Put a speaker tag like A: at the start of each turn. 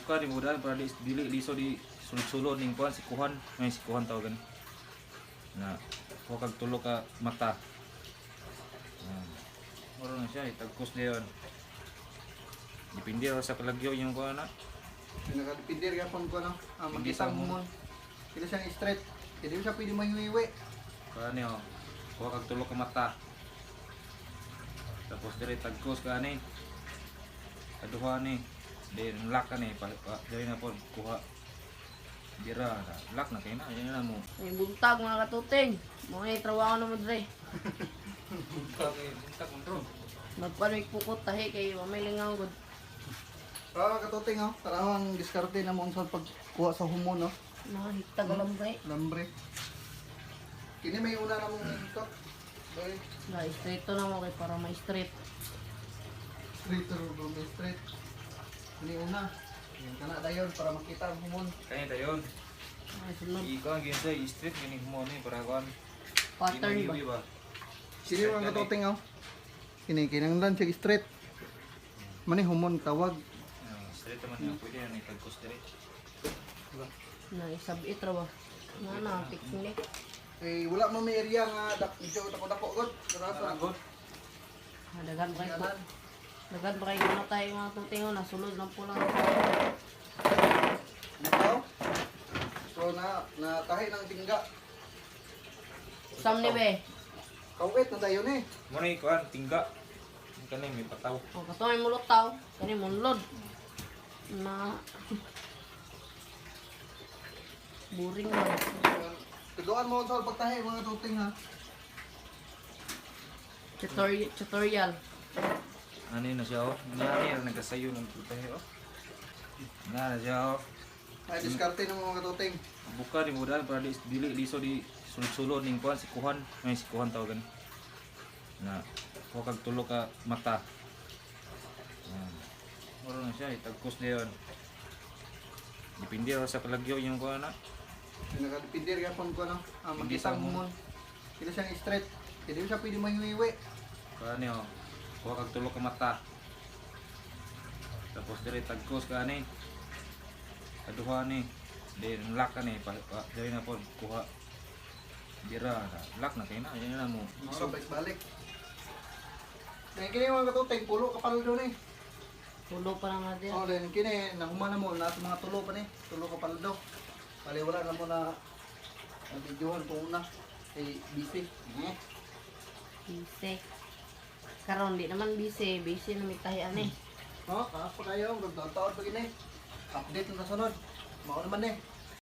A: buka di mudahan para dili liso di sulod-sulod ning kuan si kuhan, may si kuhan tawagan. Na kuha kag tulo ka mata. Moro na siya itagkos dayon. Dipindi ra sa kalagyo yung kuan na.
B: Pinakadipindir gapon ko no.
A: Hindi
B: Magkitang
A: sa
B: humon. Kila siyang straight. Hindi siya pwede mahiwiwi.
A: Kuan ni kuha kag tulo ka mata. Tapos dire tagkos ka ni. Aduha ni. Then lock ka ni dire na po kuha. Dira na lock na kay na yan na mo.
C: May buntag mga katuting. Mga trabaho na mo dre.
A: Buntag kontrol.
C: Magpanik pukot tahi kay mamay lingaw gud.
B: Katuting oh. Tarawang diskarte na mo sa pagkuha sa humon no.
C: Nahitag alambre.
B: Lambre. Kini may una na mong ikot. Bay,
C: Na straight to na mo kay para may straight.
B: straight or may straight. Kini una. Yan kana dayon para makita ang humon.
A: Kanya dayon.
C: Ay sunod.
A: Ikaw ginsa street gini mo ni para kuan.
C: Pattern ba?
B: Sini mga katuting oh. Kini kinanglan siya straight. Mani humon tawag.
A: Straight naman yung pwede yan itagkos dire.
C: Na isabit ra ba? Na picnic.
B: Eh wala mo may area nga medyo dako-dako gud. Sarasa.
A: Agod.
C: Dagan ba kayo?
B: Kanan.
C: Dagan ba kayo na tayo mga tutingon na sulod lang po lang.
B: Ikaw? So tahi ng tingga.
C: Sam ni be.
B: Kawit na dayon eh.
A: Mo ni kuan tingga. Kani may pataw.
C: O katuay mo lutaw, kani munlod. Na boring na.
B: Tuduan mo sa pagtahi mga tuting ha.
C: Tutorial.
A: Ano na siya oh. Nangyari na nagkasayo ng putahe oh. Na siya oh.
B: Ay diskarte ng mga tuting.
A: Buka di mudahan para dili liso di sulod-sulod ning kuan si kuhan, may si kuhan tawagan. Na kuha kag tulo ka mata. Moro na siya itagkos dayon. Dipindi ra sa kalagyo yung kuan na.
B: Pinakadipindir gapon ko no.
A: Hindi sa
B: Magkitang humon. Kila siyang straight. Hindi siya pwede mahiwiwi.
A: Kuan ni kuha kag tulo ka mata. Tapos dire tagkos ka ni. Aduha ni. Then lock ka ni dire na po kuha. Dira na lock na kay na yan na mo.
B: So balik. Then kini mga katuting pulo kapal doon eh.
C: Tulo pa lang natin.
B: Oh, then kini nahuma na mo na mga tulo pa ni. Tulo kapal daw. Bali wala na mo na videohan po una. Eh busy.
C: Busy. Karon di naman busy na may tahian eh.
B: Oh, kaapa kayo, magtaon pa gini. Update na sunod. Mao naman eh.